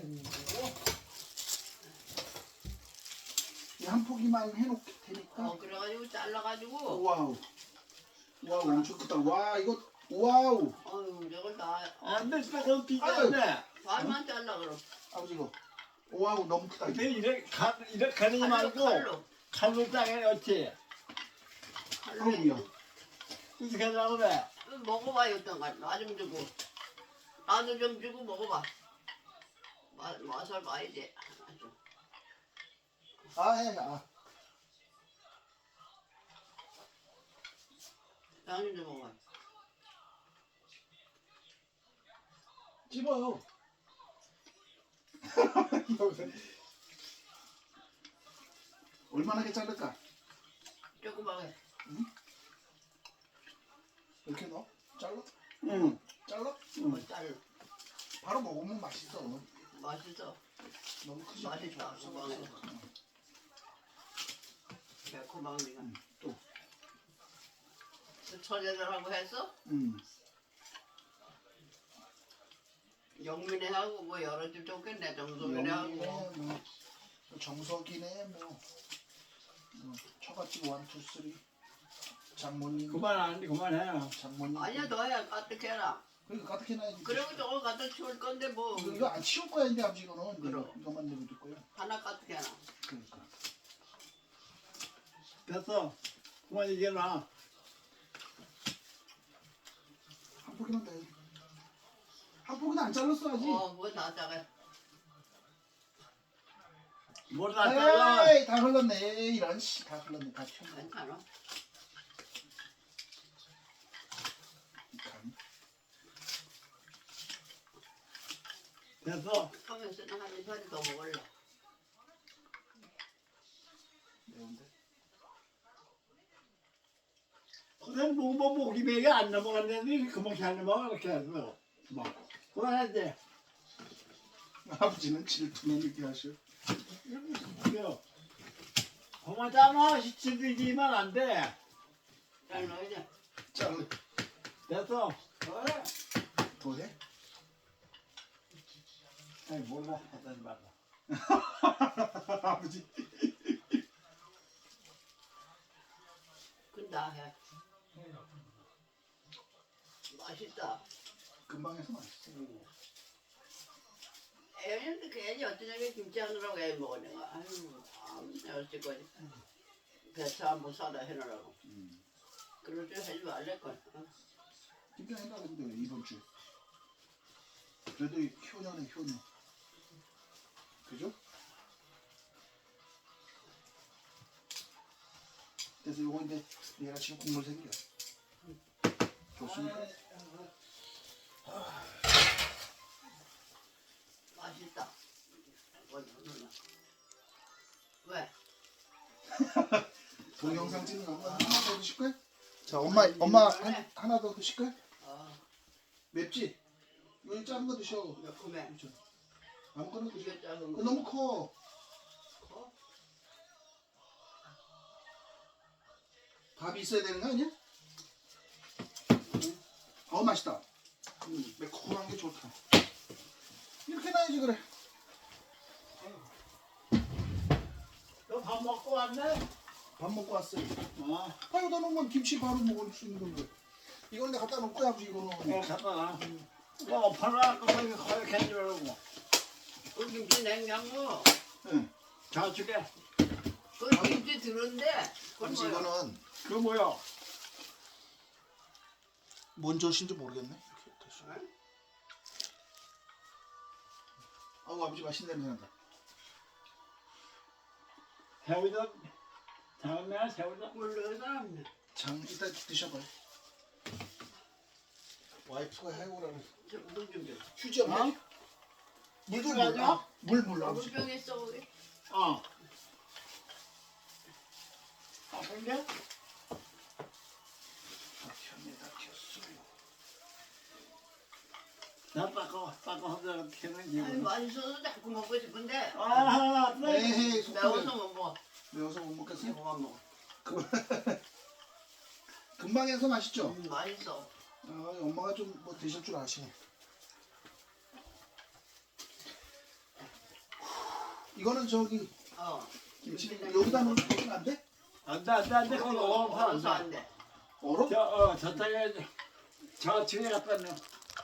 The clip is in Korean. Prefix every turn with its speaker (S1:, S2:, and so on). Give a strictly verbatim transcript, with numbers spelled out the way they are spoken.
S1: 한 포기만 해놓을 테니까.
S2: 어 그래가지고 잘라가지고.
S1: 와우. 와우 엄청 크다. 와 이거 와우.
S2: 어유 저걸 다.
S3: 안돼 조금 비싸네.
S2: 반만 잘라 그럼.
S1: 아버지 이거. 와우 너무 크다.
S3: 근데 이렇게 가 이렇게 가리지
S2: 칼로
S3: 말고
S2: 칼로.
S3: 칼로 땅에 어찌
S1: 아우야.
S3: 어떻게 하려고 그래?
S2: 먹어봐 이것도 나좀 주고. 나도 좀 주고 먹어봐. 맛 맛을 봐야지. 아주.
S1: 아 해. 아.
S2: 나는 좀 먹어.
S1: 집어요. 얼마나 게 자를까?
S2: 조그맣게.
S1: 이렇게 넣어? 잘라?
S3: 응.
S1: 잘라?
S2: 응. 잘
S1: 바로 먹으면 맛있어.
S2: 맛있어.
S1: 너무 크지?
S2: 맛있다.
S1: 없어,
S2: 고방에.
S1: 없어.
S2: 매콤하니까.
S1: 응, 또.
S2: 처제들하고 했어?
S1: 응.
S2: 영민이하고 뭐 여러 집 좋겠네. 정소민이하고.
S1: 뭐 정석이네 뭐. 뭐 처갓집 원투 쓰리. 장모님.
S3: 그만 안 돼, 그만해.
S1: 장모님.
S2: 아니야 너야 까뜩해라.
S1: 그러니까 가득 해놔야지.
S2: 그리고 저거 갖다 치울 건데 뭐
S1: 이거, 이거 안 치울 거야 이제 아버지 이거는. 이거,
S2: 그럼.
S1: 이거만 내려둘 거야.
S2: 하나 까뜩해라.
S1: 그러니까.
S3: 됐어. 그만 이게 나.
S1: 한 포기만 더 해. 한 포기는 안 잘랐어 아직.
S2: 어 뭐 다 작아.
S3: 뭘다 잘라.
S1: 에이 다 흘렀네. 에이, 이런 씨 다 흘렀네. 다 튀었네.
S2: 괜찮아.
S1: 간.
S3: 됐어.
S2: 하면서는 한 소리 더 먹을래.
S1: 매운데.
S3: 그냥 뭐뭐 목이 배에 안 넘어갔는데 그만 잘 넘어가 이렇게 해서 뭐 그만하지.
S1: 아버지는 질투는 이렇게 하셔.
S3: 그래요. 그만잖아. 시치기만 안 돼.
S2: 잘 넣어야
S1: 잘라.
S3: 됐어. 그래.
S1: 더 해?
S3: 아이 몰라. 하던 말라.
S1: 아버지.
S2: 근다 해. 맛있다.
S1: 금방 해서 맛있어.
S2: 애는데 괜히 어떤 저게 김치 하느라고 애 먹어 내가. 아유 아무 어쩔 거지. 배차 한번 사다 해놓으라고.
S1: 음.
S2: 그럴 줄 하지 말랬걸. 어?
S1: 김장 해놔 근데 이번 주에. 그래도 이 효녀네 효녀. 그죠? 그래서 요거 이제 얘가 지금 국물 생겨. 좋습니까?
S2: 맛있다. 뭐, 왜?
S1: 동영상 찍는 거 하나 더 드실 거야? 자 엄마 엄마 한, 하나 더 드실 거야?
S2: 어,
S1: 맵지? 이거 작은 거 드셔.
S2: 매콤해.
S1: 그렇죠. 아무거나 드셔.
S2: 이게 작은
S1: 그거
S2: 거.
S1: 너무 커.
S2: 커?
S1: 밥이 있어야 되는 거 아니야?
S2: 응.
S1: 어 맛있다. 음, 매콤한 게 좋다. 이렇게 놔야지 그래.
S3: 너 밥 먹고 왔네?
S1: 밥 먹고 왔어요.
S3: 어.
S1: 아 여기다 놓으면 김치 바로 먹을 수 있는 건데. 이건 내가 갖다 놓을 거야 아버지
S3: 어,
S1: 이거는.
S3: 갖다 놔. 뭐 팔아 거기 거기 캔줄라고.
S2: 그 김치 냉장고.
S1: 응.
S3: 저쪽에
S2: 그 김치 들은데. 그건
S1: 아버지
S2: 뭐야?
S1: 이거는
S3: 그 뭐야?
S1: 뭔 젓인지 모르겠네. 이렇게 됐어.
S2: 응?
S1: 아우 아버지 맛있는 냄새 난다.
S3: 새우젓 다음에 새우젓.
S2: 몰라.
S1: 장 이따 드셔봐요. 와이프가 해오라고.
S2: 저물 좀 줘.
S1: 휴지 없나?
S3: 어?
S1: 물좀
S3: 가져?
S1: 물. 물 물 아버지.
S2: 물병 있어 거기.
S3: 어. 아 근데
S1: 다 켰네 다 켰어요.
S3: 나 닦아 닦아 하다가 캐는
S2: 아니
S3: 기분.
S2: 맛있어서 자꾸 먹고 싶은데.
S3: 아, 네.
S1: 에이 속도를
S2: 매워서 못 먹어.
S1: 매워서 못 먹겠어요?
S2: 그만 먹어.
S1: 금방 해서 맛있죠?
S2: 음, 맛있어.
S1: 아, 엄마가 좀 뭐 드실 줄 아시네. 이거는 저기
S2: 어.
S1: 김치 여기다 넣으면 여기는 안 돼?
S3: 안돼 안돼 안돼 그거
S2: 얼어서
S3: 얼어서
S2: 안 돼.
S1: 얼어?
S3: 저어 저쪽에 저층에 갖다 놓